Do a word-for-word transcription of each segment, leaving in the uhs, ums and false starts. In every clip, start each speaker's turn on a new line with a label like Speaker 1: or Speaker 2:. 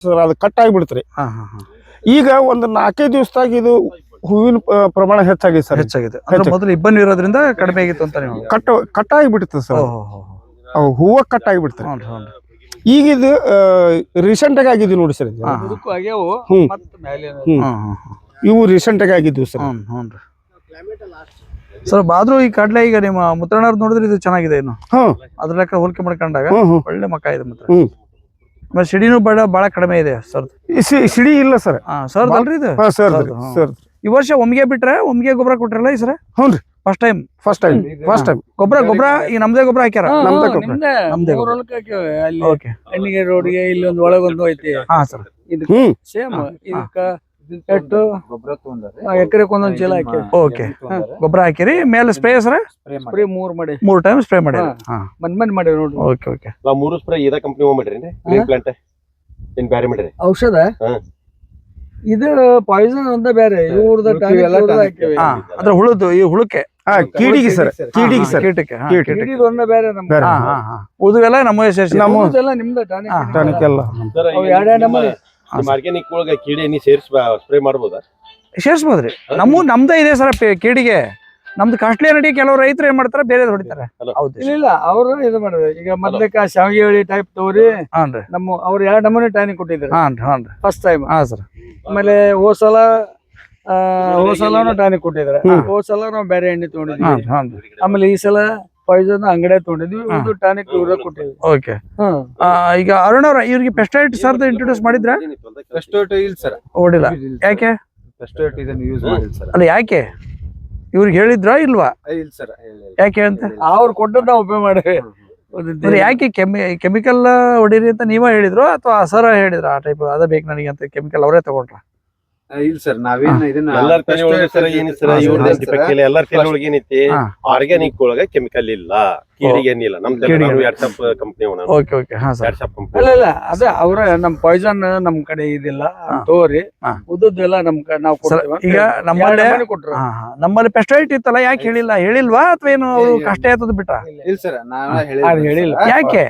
Speaker 1: Sir ಅದು cut ಆಗಿಬಿಡ್ತ್ರಿ. ಈಗ ಒಂದು ನಾಲ್ಕೈದು ದಿವಸದಾಗ ಇದು ಹೂವಿನ ಪ್ರಮಾಣ ಹೆಚ್ಚಾಗಿದೆ ಸರ್.
Speaker 2: ಹೆಚ್ಚಾಗಿದೆ ಮೊದಲು ಇಬ್ಬನಿ ಇರೋದ್ರಿಂದ ಕಡಿಮೆ ಆಗಿತ್ತು ಅಂತ ನೀವು
Speaker 1: ಕಟ್ ಕಟ್ ಆಗಿಬಿಡ್ತದೆ ಸರ್. ಅವು ಹೂವ ಕಟ್ ಆಗಿಬಿಡ್ತಾರೆ. ಈಗ ಇದು ರೀಸೆಂಟ್ ಆಗಿ ಆಗಿದ್ವಿ ನೋಡಿ ಸರ್. ಇವು ರೀಸೆಂಟ್ ಆಗಿ ಆಗಿದ್ವು ಸರ್.
Speaker 2: ಸರ್ ಆದ್ರೂ ಈ ಕಡ್ಲೆ ಈಗ ನಿಮ್ಮ ಮುತ್ತಣ್ಣವ್ರು ನೋಡಿದ್ರೆ ಇದು ಚೆನ್ನಾಗಿದೆ. ಇನ್ನು ಅದ್ರ ಲೆಕ್ಕ ಹೋಲಿಕೆ ಮಾಡ್ಕೊಂಡಾಗ ಒಳ್ಳೆ ಮಕ್ಕ ಇದೆ. ಮತ್ತೆ ಸಿಡಿನೂ ಬಹಳ ಬಹಳ ಕಡಿಮೆ ಇದೆ ಸರ್.
Speaker 1: ಸಿಡಿ ಇಲ್ಲ ಸರ್.
Speaker 2: ಸರ್ ಅಲ್ರಿ ಇದು
Speaker 1: ಸರ್.
Speaker 2: ಈ ವರ್ಷ ಒಮ್ಮಿಗೆ ಬಿಟ್ರೆ ಒಮ್ಮಿಗೆ ಗೊಬ್ಬರ ಕೊಟ್ರಲ್ಲ ಈ ಸರ?
Speaker 1: ಹ್ಞೂ ರೀ,
Speaker 2: first time
Speaker 1: first time first time
Speaker 2: ಗೊಬ್ಬರ ಗೊಬ್ಬರ ಈಗ ನಮ್ದೇ ಗೊಬ್ಬರ ಹಾಕ್ಯಾರ.
Speaker 1: ನಮ್ದೇ ಗೊಬ್ಬರ
Speaker 2: ನಮ್ದೇ
Speaker 3: ಹಣ್ಣಿಗೆ ರೋಡ್ಗೆ ಇಲ್ಲಿ ಒಂದು ಒಳಗೊಂದು ಐತಿ.
Speaker 2: ಹಾ ಸರ್.
Speaker 3: ಇದಕ್ಕೆ ಸೇಮ್ ಇದಕ್ಕ ಎಟ್ಟು ಎಕರೆಕ್ ಒಂದೊಂದ್ ಚೀಲ ಹಾಕಿ
Speaker 2: ಓಕೆ ಗೊಬ್ಬರ ಹಾಕಿರಿ. ಮೇಲೆ ಸ್ಪ್ರೇ ಸರ
Speaker 3: ಸ್ಪ್ರೇ ಮೂರ್ ಮಾಡಿ
Speaker 2: ಮೂರ್ ಟೈಮ್ ಸ್ಪ್ರೇ ಮಾಡಿ
Speaker 3: ಮನ್ ಮನ್ ಮಾಡಿ ನೋಡ್ರಿ.
Speaker 2: ಓಕೆ ಓಕೆ
Speaker 4: ನಾವು ಮೂರು ಸ್ಪ್ರೇ ಇದ ಕಂಪನಿ ಮಾಡಿರಿ ಗ್ರೀನ್ ಪ್ಲಾಂಟ್ ಏನ್ ಬ್ಯಾರೆ ಮಾಡಿರಿ
Speaker 3: ಔಷಧ. ಇದು ಪಾಯ್ಸನ್ ಅಂತ ಬೇರೆ ಇವ್ರದ
Speaker 2: ಅದ್ರ ಹುಳುದು ಈ ಹುಳುಕೆ
Speaker 1: ಕೀಡಿಗೆ ಸರ್. ಕೀಡಿಗೆ ಸರ್.
Speaker 2: ಕೀಟಕ್ಕೆ
Speaker 3: ಕೀಡಿಗೆ ಒಂದ ಬೇರೆ ನಮ್ಗೆ
Speaker 2: ಉದುವೆಲ್ಲ ನಮ್ಮ ಸೇರಿಸಿ
Speaker 3: ನಮ್ಮದೆಲ್ಲ ನಿಮ್ದ
Speaker 1: ಟಾನಿಕ್ ಎಲ್ಲ
Speaker 3: ಎರಡೆರಡು ನಮ್ಮನೆ
Speaker 4: ಆರ್ಗ್ಯಾನಿಕ್ ಒಳಗ ಕೀಡೆ ನೀ ಸೇರಿಸಿ ಸ್ಪ್ರೇ ಮಾಡ್ಬೋದಾ?
Speaker 2: ಸೇರಿಸಬಹುದ್ರಿ. ನಮ್ಮ ನಮ್ದೇ ಇದೆ ಸರ್ ಕೀಡಿಗೆ. ನಮ್ದು ಕಾಸ್ಟ್ಲಿ ನಡಿ ಕೆಲವು ರೈತರು ಏನ್ ಮಾಡ್ತಾರ ಬೇರೆ ಹೊಡಿತಾರೆ.
Speaker 3: ಇಲ್ಲ ಅವರು ಇದು ಮಾಡಿದ್ರೆ ಈಗ ಮೊದ್ಲಕ್ಕ ಶಾವಿಗೆ ಟೈಪ್ ತಗೋರಿ.
Speaker 2: ಹಾನ್ರಿ
Speaker 3: ನಮ್ಮ ಅವ್ರು ಎರಡು ನಮೂನಿ ಟಾನಿಕ್ ಕೊಟ್ಟಿದ್ರು
Speaker 2: ಹಾನ್ರಿ ಹಾನ್ರಿ
Speaker 3: ಫಸ್ಟ್ ಟೈಮ್.
Speaker 2: ಹಾ ಸರ್.
Speaker 3: ಆಮೇಲೆ ಹೋಸಲ ಹೋಸಲನು ಟಾನಿಕ್ ಕೊಟ್ಟಿದ್ರೆ ಹೋಸಲ ನಾವು ಬೇರೆ ಎಣ್ಣೆ ತಗೊಂಡಿದ್ವಿ. ಆಮೇಲೆ ಈ ಸಲ ಪಾಯ್ಸನ್ ಅಂಗಡಿ ತಗೊಂಡಿದ್ವಿ. ಇದು ಟಾನಿಕ್ ಇವ್ರ ಕೊಟ್ಟಿದ್ವಿ.
Speaker 2: ಓಕೆ. ಈಗ ಅರುಣ್ ಅವ್ರ ಇವ್ರಿಗೆ ಪೆಸ್ಟೈಡ್ ಸರ್ ಇಂಟ್ರೊಡ್ಯೂಸ್ ಮಾಡಿದ್ರ?
Speaker 4: ಪೆಸ್ಟೈಡ್ ಇಲ್ಲ ಸರ್.
Speaker 2: ಓಡಿಲ್ಲ. ಯಾಕೆ?
Speaker 4: ಪೆಸ್ಟೈಡ್ ಇದನ್ನ ಯೂಸ್ ಮಾಡಿಲ್ಲ ಸರ್.
Speaker 2: ಅಲ್ಲ ಯಾಕೆ ಇವ್ರಿಗೆ ಹೇಳಿದ್ರ ಇಲ್ವಾ?
Speaker 4: ಇಲ್ಲ ಸರ್.
Speaker 2: ಯಾಕೆ ಅಂತ
Speaker 3: ಅವ್ರು ಕೊಟ್ಟದ್ ನಾವು ಉಪಯೋಗ ಮಾಡಿವಿ.
Speaker 2: ಯಾಕೆ ಕೆಮಿ ಕೆಮಿಕಲ್ ಹೊಡೀರಿ ಅಂತ ನೀವೇ ಹೇಳಿದ್ರು ಅಥವಾ ಸರ ಹೇಳಿದ್ರ ಆ ಟೈಪ್ ಅದ ಬೇಕು ನನಗೆ ಅಂತ ಕೆಮಿಕಲ್ ಅವರೇ ತಗೊಂಡ್ರ?
Speaker 4: ಇಲ್ಲ ಸರ್, ನಾವೇನ ಇದನ್ನ ಎಲ್ಲಾರ ತಲೆ ಒಳಗೆ ಸರ್ ಏನಿ ಸರ್ ಇವ್ರದೇ ಡಿಫೆಕ್ಟ್ ಇಲ್ಲ. ಎಲ್ಲಾರ ತಲೆ ಒಳಗೆ ಏನೈತಿ ಆರ್ಗ್ಯಾನಿಕ್ ಒಳಗೆ ಕೆಮಿಕಲ್ ಇಲ್ಲ, ಕೀಡಿಗೆ ಏನಿಲ್ಲ. ನಮ್ ತಲೆ ವಾಟ್ಸ್ಆಪ್ ಕಂಪನಿ ಅವನ.
Speaker 2: Okay okay. ಹಾ ಸರ್.
Speaker 4: ವಾಟ್ಸ್ಆಪ್ ಕಂಪನಿ
Speaker 3: ಇಲ್ಲ ಇಲ್ಲ ಅದೇ ಅವ್ರ ನಮ್ ಪಾಯ್ಸನ್ ನಮ್ ಕಡೆ ಇದಿಲ್ಲ ತೋರಿ ಉದ್ದೆಲ್ಲ ನಮ್ ನಾವು ಕೊಡ್ತೀವಿ.
Speaker 2: ಈಗ ನಮ್ಮಲ್ಲಿ ನಮ್ಮಲ್ಲಿ ಪೆಸ್ಟೈಡ್ ಇತ್ತಲ್ಲ, ಯಾಕೆ ಹೇಳಿಲ್ಲ? ಹೇಳಿಲ್ವಾ ಅಥವಾ ಏನು ಅವ್ರು ಕಷ್ಟ ಆಯ್ತದ ಬಿಟ್ರ?
Speaker 4: ಇಲ್ಲ ಸರ್, ನಾವ್
Speaker 3: ಹೇಳಿಲ್ಲ.
Speaker 2: ಯಾಕೆ?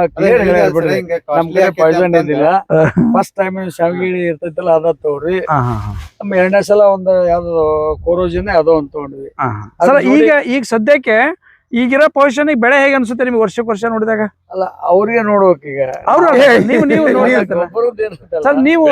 Speaker 3: ನಮ್ ಕಡೆ ಪಾಯ್ಸನ್ ಇದ್ದಿಲ್ಲ. ಫಸ್ಟ್ ಟೈಮ್ ಶಾವಿಗೆ ಇರ್ತೈತಲ್ಲ ಅದ ತಗೋರಿ. ನಮ್ಮ ಎರಡನೇ ಸಲ ಒಂದ್ ಯಾವ್ದು ಕೋರೋಜಿನ ಯಾವ್ದೋ ಒಂದ್ ತಗೊಂಡ್ವಿ.
Speaker 2: ಈಗ ಈಗ ಸದ್ಯಕ್ಕೆ ಈಗಿರೋ ಪೊಸಿಷನ್ ಬೆಳೆ ಹೇಗೆ ಅನ್ಸುತ್ತೆ ನಿಮ್ಗೆ ವರ್ಷಕ್ಕೆ ವರ್ಷ ನೋಡಿದಾಗ?
Speaker 3: ಅಲ್ಲ ಅವ್ರಿಗೆ ನೋಡ್ಬೇಕು ಈಗ.
Speaker 2: ಅವ್ರು ನೀವು ನೀವು ಸರ್ ನೀವು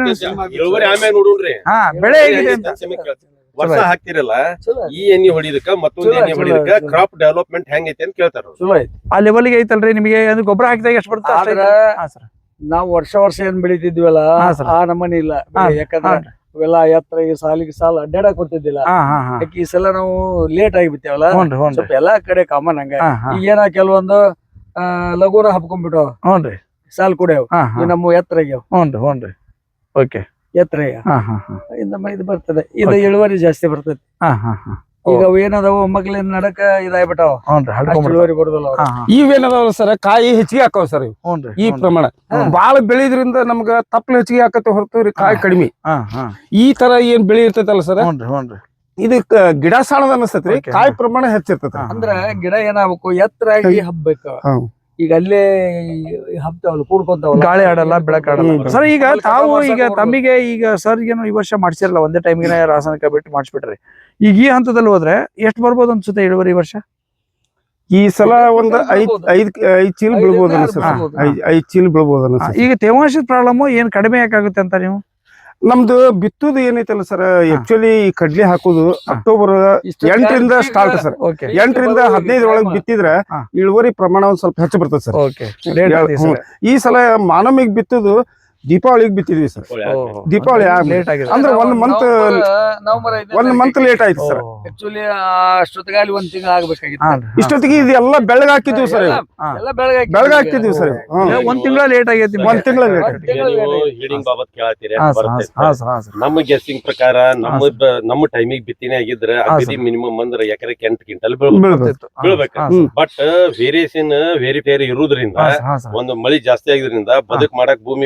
Speaker 2: ಹಾ ಬೆಳೆ ಹೇಗಿದೆ ಅಂತ
Speaker 4: ವರ್ಷ ಹಾಕ್ತಿರಲ್ಲ ಈ ಎಣ್ಣೆ ಹೊಡಿದಕ್ಕ ಮತ್ತೊಂದು ಎಣ್ಣೆ ಹೊಡಿದಕ್ಕ ಕ್ರಾಪ್ ಡೆವಲಪ್ಮೆಂಟ್ ಹೆಂಗೈತಿ ಅಂತ ಕೇಳ್ತಾರ.
Speaker 2: ಆ ಲೆವೆಲ್ಗೆ ಐತಲ್ರಿ ನಿಮಗೆ? ಗೊಬ್ಬರ ಹಾಕಿದಾಗ ಎಷ್ಟು ಬರುತ್ತೆ?
Speaker 3: ನಾವು ವರ್ಷ ವರ್ಷ ಏನ್ ಬೆಳಿತಿದ್ವಲ್ಲ ಆ ನಮನಿ ಇಲ್ಲ. ಯಾಕಂದ್ರೆ ಇವೆಲ್ಲ ಎತ್ತರ ಈ ಸಾಲಿಗೆ ಸಾಲ ಅಡ್ಡಾಡಕ್ ಕೊಡ್ತಿದ್ದಿಲ್ಲ. ಈ ಸಲ ನಾವು ಲೇಟ್ ಆಗಿಬಿತ್ತೇವಲ್ಲ, ಸ್ವಲ್ಪ ಎಲ್ಲಾ ಕಡೆ ಕಾಮನ್ ಹಂಗ. ಈಗೇನ ಕೆಲವೊಂದು ಆ ಲಘುನ ಹಬ್ಕೊಂಡ್ಬಿಟ್ಟು
Speaker 2: ಹ್ಞೂನ್ರಿ
Speaker 3: ಸಾಲ್ ಕುಡಿಯವ್ ನಮ್ಮ ಎತ್ತರ ಆಗ್ಯಾವ.
Speaker 2: ಹ್ಞೂನ್ರಿ ಹ್ಞೂನ್ರಿ ಓಕೆ.
Speaker 3: ಎತ್ತರ ನಮ್ಮ ಇದು ಬರ್ತದೆ. ಇದು ಇಳುವರಿ ಜಾಸ್ತಿ ಬರ್ತದೆ. ಈಗ ಅವು ಏನದಾವ ಮಕ್ಳಿಂದ ನಡಕ ಇದಾಗ್ಬಿಟ್ಟಾವ. ಇಳುವರಿ ಬರುದಿಲ್ಲ.
Speaker 1: ಇವೇನದಾವ ಸರ್ ಕಾಯಿ ಹೆಚ್ಚಿಗೆ ಹಾಕವ್ ಸರ್. ಈ ಪ್ರಮಾಣ ಬಾಳ ಬೆಳಿದ್ರಿಂದ ನಮ್ಗ ತಪ್ಪಲು ಹೆಚ್ಚಿಗೆ ಹಾಕತ್ತೆ ಹೊರತು ಕಾಯಿ ಕಡಿಮೆ. ಈ ತರ ಏನ್ ಬೆಳಿ ಇರ್ತೈತಲ್ಲ ಸರ್, ಇದಕ್ ಗಿಡ ಸಾಣದ ಅನಸ್ತೈತ್ರಿ, ಕಾಯಿ ಪ್ರಮಾಣ ಹೆಚ್ಚಿರ್ತೈತಿ.
Speaker 3: ಅಂದ್ರ ಗಿಡ ಏನಾಗ್ಬೇಕು ಎತ್ತರಾಗಿ ಹಬ್ಬೇಕು. ಈಗ ಅಲ್ಲೇ ಹಬ್ತಾವಲ್ಲ ಕೂಡ್ಕೊಂತಾವಲ್ಲ,
Speaker 2: ಗಾಳಿ ಆಡಲ್ಲ ಬೆಳಕ್ ಆಡಲ್ಲ. ಸರ್ ಈಗ ತಾವು ಈಗ ತಮ್ಮಿಗೆ ಈಗ ಸರ್ ಏನು ಈ ವರ್ಷ ಮಾಡ್ಸಿರಲ್ಲ, ಒಂದೇ ಟೈಮ್ಗೆ ರಾಸಾಯನಿಕ ಬಿಟ್ಟು ಮಾಡಿಸ್ಬಿಟ್ರಿ. ಈಗ ಈ ಹಂತದಲ್ಲಿ ಹೋದ್ರೆ ಎಷ್ಟು ಬರ್ಬೋದು ಅನ್ಸುತ್ತೆ ಇಳುವರಿ ಈ ವರ್ಷ?
Speaker 1: ಈ ಸಲ ಒಂದ್ ಐದ್ ಐದ್ ಐದ್ ಚೀಲ ಬೀಳ್ಬೋದು ಅನ್ಸುತ್ತೆ. ಐದ್ ಚೀಲ ಬೀಳ್ಬೋದು ಅನ್ಸುತ್ತೆ.
Speaker 2: ಈಗ ತೇವಾಂಶದ ಪ್ರಾಬ್ಲಮ್ ಏನ್ ಕಡಿಮೆ ಯಾಕಾಗುತ್ತೆ ಅಂತ ನೀವು?
Speaker 1: ನಮ್ದು ಬಿತ್ತುದು ಏನೈತಲ್ಲ ಸರ್, ಆಕ್ಚುಲಿ ಕಡ್ಲಿ ಹಾಕುದು ಅಕ್ಟೋಬರ್ ಎಂಟರಿಂದ ಸ್ಟಾರ್ಟ್ ಸರ್. ಎಂಟರಿಂದ ಹದಿನೈದರ ಒಳಗೆ ಬಿತ್ತಿದ್ರೆ ಇಳುವರಿ ಪ್ರಮಾಣ ಒಂದ್ ಸ್ವಲ್ಪ ಹೆಚ್ಚು ಬರ್ತದೆ ಸರ್. ಈ ಸಲ ಮಾನಮಿಗ್ ಬಿತ್ತುದು ದೀಪಾವಳಿಗೆ ಬಿತ್ತಿದ್ವಿ ಸರ್. ದೀಪಾವಳಿ ಅಂದ್ರೆ ಒಂದ್ ಮಂತ್ ಒಂದ್ ಮಂತ್ ಲೇಟ್ ಆಯ್ತು ಸರ್.
Speaker 3: ಆಕ್ಚುಲಿ ಅಷ್ಟೊತ್ತಿಗೆ ಒಂದ್ ತಿಂಗಳು ಆಗ್ಬೇಕಾಗಿತ್ತು.
Speaker 1: ಇಷ್ಟೊತ್ತಿಗೆ ಇದೆಲ್ಲ ಬೆಳಗ್ಗೆ ಹಾಕಿದ್ವಿ ಸರ್. ಬೆಳಗ್ಗೆ ಹಾಕಿದ್ವಿ ಸರ್.
Speaker 2: ಒಂದ್ ತಿಂಗಳ ಲೇಟ್ ಆಗೈತಿ.
Speaker 1: ಒಂದ್ ತಿಂಗಳ ಲೇಟ್.
Speaker 4: ಹೀಡಿಂಗ್ ಬಾಬತ್ ಕೇಳತ್ತೀರಿ. ನಮ್ಮ ಗೆಸ್ಟಿಂಗ್ ಪ್ರಕಾರ ನಮ್ಮ ನಮ್ಮ ಟೈಮಿಗೆ ಬಿತ್ತಿನೇ ಆಗಿದ್ರೆ ಅಗದಿ ಮಿನಿಮಮ್ ಅಂದ್ರೆ ಎಕರೆಗೆ ಎಂಟು ಕ್ವಿಂಟಲ್ ಬೀಳ್ಬೇಕು. ಬಟ್ ವೇರಿಯೇಷನ್ ವೇರಿ ಬೇರೆ ಇರುವುದರಿಂದ ಒಂದು ಮಳಿ ಜಾಸ್ತಿ ಆಗಿದ್ರಿಂದ ಬದುಕ್ ಮಾಡಕ್ ಭೂಮಿ ಬರ್ಲಾರ್ದ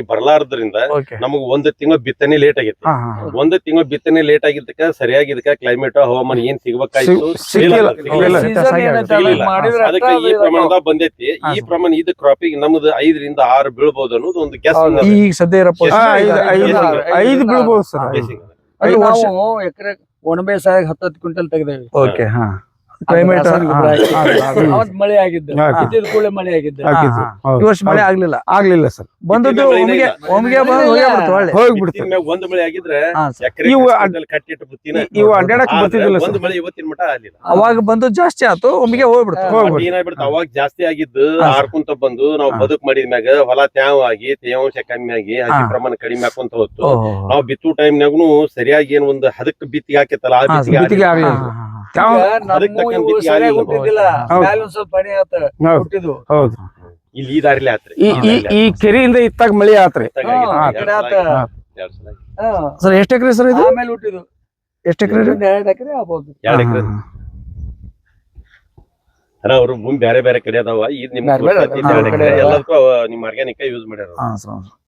Speaker 4: ಆದದ್ರಿಂದ
Speaker 2: ಓಕೆ
Speaker 4: ನಮಗ್ ಒಂದ್ ತಿಂಗಳ ಬಿತ್ತನೆ ಲೇಟ್ ಆಗೈತಿ.
Speaker 2: ಹಾ ಹಾ
Speaker 4: ಒಂದ್ ತಿಂಗಳ ಬಿತ್ತನೆ ಲೇಟ್ ಆಗಿದ್ದಕ್ಕ ಸರಿಯಾಗಿ ಇದಕ್ಕ ಕ್ಲೈಮೇಟ್ ಹವಾಮಾನ ಏನ್ ಸಿಗ್ಬೇಕಾಯ್ತು
Speaker 1: ಸಿಗ್- ಸಿಗ್ಲಿಲ್ಲ.
Speaker 4: ಸಿಗ್ಲಿಲ್ಲ.
Speaker 3: Season ಏನಂತ
Speaker 4: ಸಿಗ್ಲಿಲ್ಲ.
Speaker 3: ಮಾಡಿದ್ರೆ
Speaker 4: ಅದಕ್ಕೆ ಈ
Speaker 3: ಅಷ್ಟೇ
Speaker 4: ಪ್ರಮಾಣದಾಗ ಬಂದೈತಿ. ಈ ಪ್ರಮಾಣ ಇದ್ ಕ್ರಾಪಿಗೆ ನಮ್ದು ಐದರಿಂದ ಆರು ಬೀಳ್ಬಹುದು ಅನ್ನೋದು ಒಂದು ಗ್ಯಾಸ್
Speaker 2: ಈಗ ಸದ್ಯ ಇರೋ
Speaker 1: ಆ,
Speaker 2: position
Speaker 1: ಐದು
Speaker 2: ಐದು-
Speaker 1: ಐದು
Speaker 3: ಐದು-
Speaker 1: ಐದು ಬೀಳ್ಬೋದು ಸರ್.
Speaker 3: ಅದು
Speaker 2: ಐದು ವರ್ಷ
Speaker 3: ನಾವು ಎಕರೆ ಒಣಬೆ ಸಾಗ ಹತ್ತತ್ತು ಕ್ವಿಂಟಲ್ ತೆಗ್ದೇವಿ.
Speaker 2: ಓಕೆ ಹಾ ಕ್ಲೈಮೇಟ್
Speaker 3: ರಾಸಾಯನಿಕ ಗೊಬ್ಬರ ಹಾಕಿ.
Speaker 1: ಹ್ಮ್.
Speaker 3: ಅವತ್ ಮಳೆ ಆಗಿದ್ದು
Speaker 1: ಹಾ.
Speaker 3: ಇದ್ದಿದ್ ಕೂಡಲೇ ಮಳೆ ಆಗಿದ್ದು.
Speaker 1: ಹಾಕಿತ್ತು. ಹೌದು.
Speaker 2: ಈ ವರ್ಷ ಮಳೆ ಆಗ್ಲಿಲ್ಲ
Speaker 1: ಆಗ್ಲಿಲ್ಲ ಸರ್.
Speaker 2: ಬಂದದ್ದು
Speaker 4: ಬಿತ್ತಿದ ಮಳೆನೇ
Speaker 2: ಒಮ್ಗೆ
Speaker 4: ಇಲ್ಲ.
Speaker 2: ಒಮ್ಗೆ ಬಂದು ಹೋಗೇ ಬಿಡ್ತು ಒಳ್ಳೆ
Speaker 1: ಹೋಗ್ಬಿಡ್ತು.
Speaker 4: ಮ್ಯಾಗ ಒಂದ್ ಮಳೆ ಆಗಿದ್ರೆ
Speaker 2: ಹಾ ಸರ್.
Speaker 4: ಎಕರೆ
Speaker 1: ಇವು
Speaker 4: ಕಟ್ಟಿಟ್ಟು ಬುತ್ತಿನ
Speaker 1: ಇವು ಅಡ್ಡಾಡಕ್ ಬರ್ತಿದ್ದಿಲ್ಲ
Speaker 4: ಒಂದ್
Speaker 1: ಸರ್.
Speaker 4: ಮಳೆ ಇವತ್ತಿನ ಮಟ ಆಗ್ಲಿಲ್ಲ.
Speaker 2: ಅವಾಗ ಬಂದು ಜಾಸ್ತಿ ಆಯ್ತು ಒಮ್ಗೆ ಹೋಗ್ಬಿಡ್ತು
Speaker 3: ಹಾ.
Speaker 1: ಹೋಗ್ಬಿಡ್ತು.
Speaker 4: ಬಟ್ ಏನಾಗ್ಬಿಡ್ತು ಅವಾಗ ಜಾಸ್ತಿ ಆಗಿದ್ದು
Speaker 2: ಹಾ.
Speaker 4: ಹಾರ್ಕೊಂತ ಬಂದು ನಾವು
Speaker 2: ಹಾ.
Speaker 4: ಬದುಕ್ ಮಾಡಿದ್ಮ್ಯಾಗ ಹೊಲ ತ್ಯಾವ ಆಗಿ ತೇವಾಂಶ ಕಮ್ಮಿ ಆಗಿ ಹಸಿ
Speaker 2: ಹಾ.
Speaker 4: ಪ್ರಮಾಣ ಕಡಿಮೆ ಆಕೊಂತ ಹೋತು.
Speaker 2: ಓಹೋ
Speaker 4: ನಾವು ಬಿತ್ತು ಟೈಮ್ನಾಗೂ ಸರಿಯಾಗಿ ಏನ್ ಒಂದು ಹದಕ್ ಬಿತ್ತಿಗೆ ಹಾಕಿತ್ತಲ್ಲ ಆ
Speaker 2: ಹಾ,
Speaker 4: ಬಿತ್ತಿಗೆ
Speaker 1: ಬಿತ್ತಿಗೆ
Speaker 4: ಆಗ್ಲಿಲ್ಲ.
Speaker 1: ಆಗ್ಲಿಲ್ಲ.
Speaker 3: ಈಗ
Speaker 1: ಯಾವ-
Speaker 3: ನಮ್ಮ ಇವು ಸರಿಯಾಗಿ ಹುಟ್ಟಿದ್ದಿಲ್ಲ.
Speaker 1: ಹೌದು.
Speaker 3: ಮ್ಯಾಲ್ ಒಂದ್ ಸ್ವಲ್ಪ ಪನಿ ಆತ
Speaker 1: ಹೌದು.
Speaker 3: ಹುಟ್ಟಿದ್ವು.
Speaker 1: ಹೌದು.
Speaker 4: ಇಲ್ಲಿ ಈ ದಾರಿಲಿ ಆತ್ರಿ
Speaker 1: ಈ ಈ ಈ ಕೆರೆಯಿಂದ ಇತ್ತಾಗ ಮಳಿ ಆತ್ರಿ.
Speaker 3: ಹಾ, ಈ ಕಡೆ ಆತ. ಹಾ.
Speaker 2: ಸರ್ ಎಷ್ಟು ಎಕರೆ ಸರ್ ಇದು
Speaker 3: ಆಮೇಲೆ ಹುಟ್ಟಿದ್ವು.
Speaker 2: ಎಷ್ಟು ಎಕರೆ
Speaker 3: ಒಂದ್ ಎರಡ್ ಎಕರೆ ಆಗ್ಬೋದು.
Speaker 4: ಎರಡ್ ಎಕರೆ ಅವ್ರು ಭೂಮಿ ಬೇರೆ ಬೇರೆ ಕಡೆ ಅದಾವ. ಇದು ನಿಮ್
Speaker 3: ಬೇರೆ ಬೇರೆ ಅದಾವ.
Speaker 4: ಎರಡ್ ಎಕರೆ
Speaker 3: ಬೇರೆ ಬೇರೆ
Speaker 4: ಎಲ್ಲದಕ್ಕೂ ಅವ ನಿಮ್ ಆರ್ಗ್ಯಾನಿಕ್ ಯೂಸ್ ಮಾಡ್ಯಾರ.
Speaker 2: ಹಾ ಸರ್